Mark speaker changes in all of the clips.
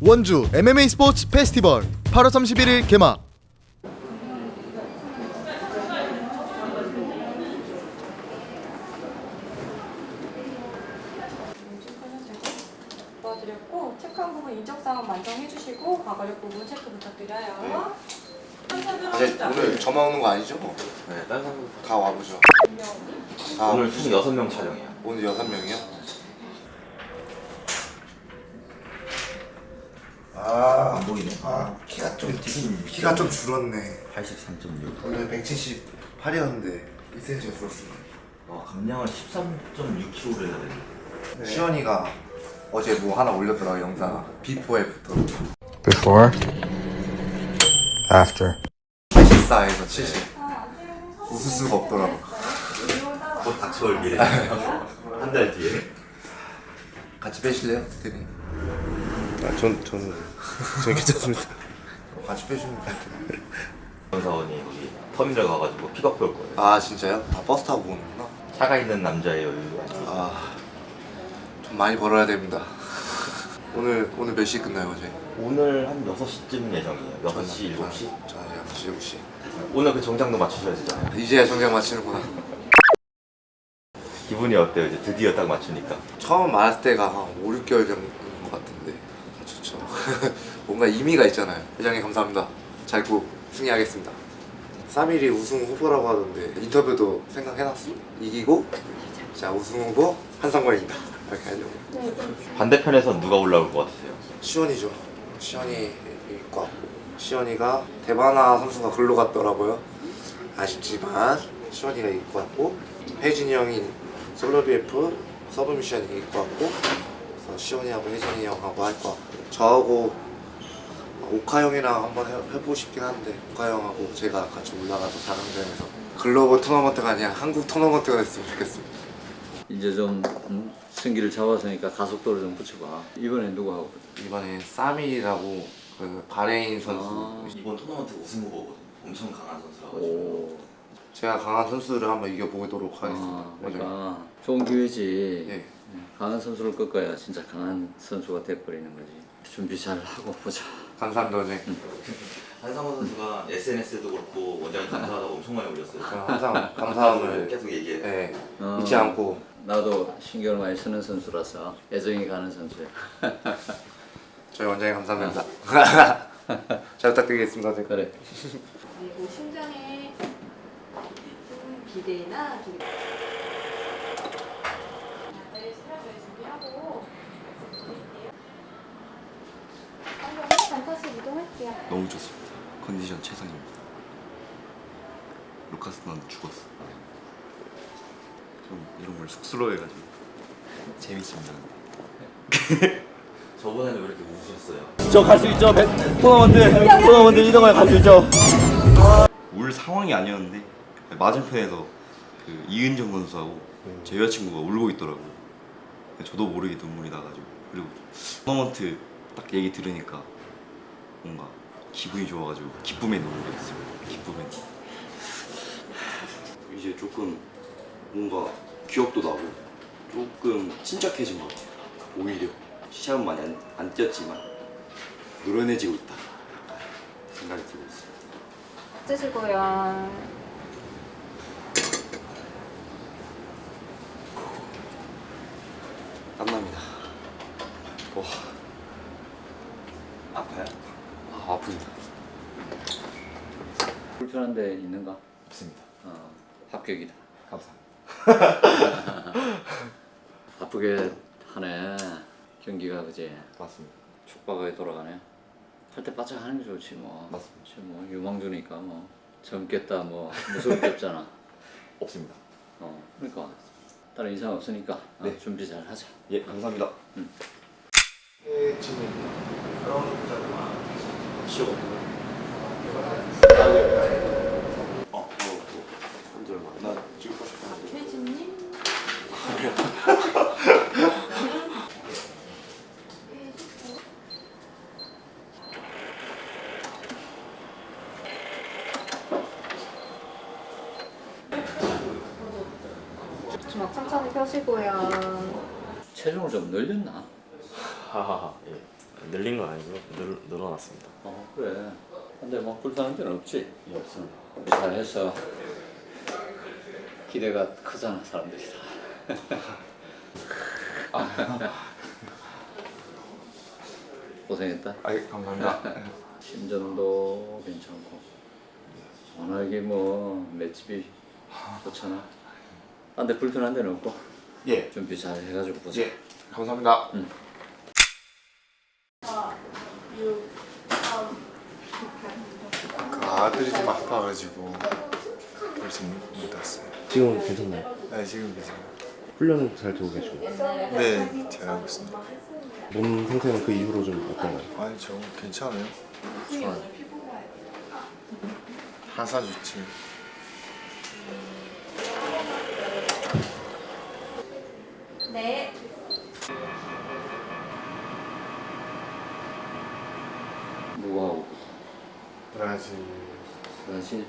Speaker 1: 원주 MMA 스포츠 페스티벌 8월 31일 개막.
Speaker 2: 도와드렸고 체크한 부분 인적사항 만정해주시고 과거력 부분 체크 부탁드려요.
Speaker 3: 이제 오늘 저만 오는 거 아니죠?
Speaker 4: 네, 다른 사람
Speaker 3: 다 와보죠.
Speaker 4: 오늘 총 6명 촬영이야.
Speaker 3: 오늘 6명이요?
Speaker 4: 안 보이네.
Speaker 3: 키가 좀 줄었네.
Speaker 4: 83.6.
Speaker 3: 오늘 178이었는데 1cm 줄었습니다.
Speaker 4: 감량을 13.6kg를 해야 돼.
Speaker 3: 시원이가 어제 뭐 하나 올렸더라고 영상. 비포 애프터.
Speaker 1: Before, after.
Speaker 3: 84에서 70. 웃을 수가 없더라고.
Speaker 4: 곧 닥쳐올 미래. 한 달 뒤에.
Speaker 3: 같이 빼실래요? 대리? 저는 괜찮습니다. 같이 빼주면 돼요.
Speaker 4: 사원이 거기 터미널 가가지고 픽업 볼 거예요.
Speaker 3: 아 진짜요? 다 버스 타고 오는구나.
Speaker 4: 차가 있는 남자의 여유.
Speaker 3: 좀 많이 벌어야 됩니다. 오늘 몇 시에 끝나요 어제?
Speaker 4: 오늘 한 6시쯤 예정이에요. 6시, 7시?
Speaker 3: 저 6시, 7시.
Speaker 4: 오늘 그 정장도 맞추셔야 되잖아요.
Speaker 3: 이제야 정장 맞추는구나.
Speaker 4: 기분이 어때요? 이제 드디어 딱 맞추니까.
Speaker 3: 처음 말할 때가 한 5, 6개월 전인 것 같은데 좋죠. 뭔가 의미가 있잖아요. 회장님 감사합니다. 잘 꼭 승리하겠습니다. 3일이 우승 후보라고 하던데 인터뷰도 생각해놨어. 이기고 자 우승 후보 한상권입니다. 이렇게 하려고.
Speaker 4: 반대편에선 누가 올라올 것 같으세요?
Speaker 3: 시원이죠. 시원이 이길 것 같고 시원이가 대바나 선수가 글로 갔더라고요. 아쉽지만 시원이가 이길 것 같고 혜진이 형이 솔로 BF 서브미션 이길 것 같고 그래서 시원이하고 혜진이 형하고 할 것 같고 저하고 오카 형이랑 한번 해보고 싶긴 한데 오카 형하고 제가 같이 올라가서 4강전에서 글로벌 토너먼트가 아니라 한국 토너먼트가 됐으면 좋겠습니다.
Speaker 5: 이제 좀 승기를 잡았으니까 가속도를 좀 붙여봐. 이번에 누구 하고?
Speaker 3: 이번에 사밀이라고 그 바레인 선수
Speaker 4: 이번 토너먼트 우승 후보거든요. 엄청 강한 선수라고.
Speaker 5: 오.
Speaker 3: 제가 강한 선수를 한번 이겨보도록 하겠습니다.
Speaker 5: 그러니까 좋은 기회지.
Speaker 3: 네.
Speaker 5: 강한 선수를 꺾어야 진짜 강한 선수가 돼버리는 거지. 준비 잘 하고 보자.
Speaker 3: 감사합니다. 네.
Speaker 4: 한상원 선수가 SNS에도 그렇고 원장님 감사하다고 엄청 많이 올렸어요.
Speaker 3: 저는 항상 감사함을
Speaker 4: 계속 얘기해.
Speaker 3: 네,
Speaker 5: 어.
Speaker 3: 잊지 않고
Speaker 5: 나도 신경을 많이 쓰는 선수라서 애정이 가는 선수야.
Speaker 3: 저희 원장님 감사합니다. 잘 부탁드리겠습니다. 네.
Speaker 5: 그래.
Speaker 2: 그리고 심장에 기대나 기대. 네, 스트레스 준비하고 드릴게요. 단타씩 이동할게요.
Speaker 6: 너무 좋습니다. 컨디션 최상입니다. 루카스 넌 죽었어. 좀 이런 걸 쑥스러워해가지고 재밌습니다.
Speaker 4: 저번에는 왜 이렇게 우셨어요?
Speaker 7: 저 갈 수 있죠. 토너먼트 2등을 갈 수 있죠.
Speaker 6: 울 상황이 아니었는데 맞은편에서 그 이은정 선수하고 제 여자친구가 울고 있더라고요. 저도 모르게 눈물이 나가지고 그리고 토너먼트 딱 얘기 들으니까 뭔가 기분이 좋아가지고 기쁨에 눈물이 났습니다. 기쁨에. 이제 조금 뭔가 기억도 나고 조금 침착해진 것 같아요. 오히려 시합은 많이 안 뛰었지만 노련해지고 있다 생각이 들고 있어요.
Speaker 2: 째시고요.
Speaker 6: 땀납니다. 아파요? 아픕니다.
Speaker 5: 불편한 데 있는가?
Speaker 6: 없습니다.
Speaker 5: 합격이다.
Speaker 6: 감사합니다.
Speaker 5: 바쁘게 하네. 경기가 그지?
Speaker 6: 맞습니다.
Speaker 5: 촉박하게 돌아가네. 할 때 바짝 하는 게 좋지 뭐.
Speaker 6: 맞습니다.
Speaker 5: 지금 뭐 유망주니까 뭐 젊겠다 뭐 무서울 게 없잖아.
Speaker 6: 없습니다.
Speaker 5: 그러니까 다른 이상 없으니까
Speaker 6: 네.
Speaker 5: 준비 잘 하자.
Speaker 6: 예, 감사합니다. 나 찍고 싶었는데.
Speaker 2: 혜진님. 주먹 천천히 펴시고요.
Speaker 5: 체중을 좀 늘렸나?
Speaker 6: 하하하. 예.
Speaker 8: 늘린 건 아니고요. 늘어났습니다.
Speaker 5: 그래. 근데 뭐 불편한 데는 없지?
Speaker 8: 예, 없습니다.
Speaker 5: 잘해서 기대가 크잖아 사람들이 다. 고생했다.
Speaker 9: 감사합니다.
Speaker 5: 심전도 괜찮고 워낙에 뭐 맷집이 좋잖아. 근데 불편한 데는 없고
Speaker 9: 예.
Speaker 5: 준비 잘 해가지고 보자.
Speaker 9: 예. 감사합니다. 아들이 좀 아파가지고 벌써 못 왔어요.
Speaker 8: 지금은 괜찮나요?
Speaker 9: 네, 지금 괜찮아요.
Speaker 8: 훈련은 잘 되고 계시고
Speaker 9: 네, 잘하고 있습니다.
Speaker 8: 몸 상태는 그 이후로 좀 어떤가요?
Speaker 9: 아니, 저 괜찮아요. 좋아요. 하사 좋지.
Speaker 2: 네.
Speaker 5: 누구하고?
Speaker 9: 브라질
Speaker 5: 브라질?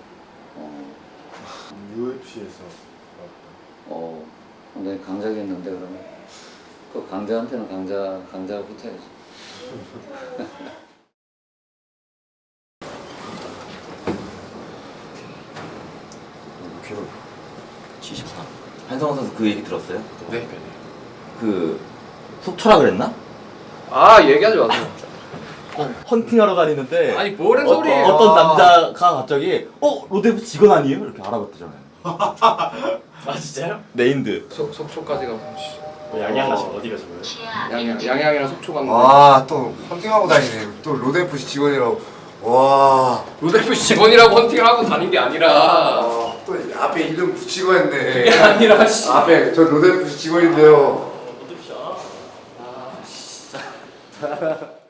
Speaker 9: UFC에서
Speaker 5: 굉장히 강자겠는데 그러면 그 강자한테는 강자가 붙어야지.
Speaker 8: 기록 74. 한성원 선수 그 얘기 들었어요?
Speaker 9: 네.
Speaker 8: 그 속초라 그랬나?
Speaker 7: 아 얘기하지 마세요.
Speaker 8: 헌팅하러 다니는데
Speaker 7: 아니 뭐래 소리예요.
Speaker 8: 어떤 남자가 갑자기 로데프 직원 아니에요? 이렇게 알아봤대잖아요.
Speaker 7: 아 진짜요?
Speaker 8: 네임드.
Speaker 7: 속초까지 가고
Speaker 8: 양양 가시면 어디 가시고요?
Speaker 7: 양양이랑 속초 갔는데
Speaker 3: 와, 또 헌팅하고 다니네. 또 로데프시 직원이라고. 와.
Speaker 7: 로데프 직원이라고 헌팅을 하고 다닌 게 아니라
Speaker 3: 또 앞에 이름 붙이고 했네.
Speaker 7: 그게 아니라 씨.
Speaker 3: 앞에 저 로데프시 직원인데요.
Speaker 8: 로데프 씨. 아 진짜.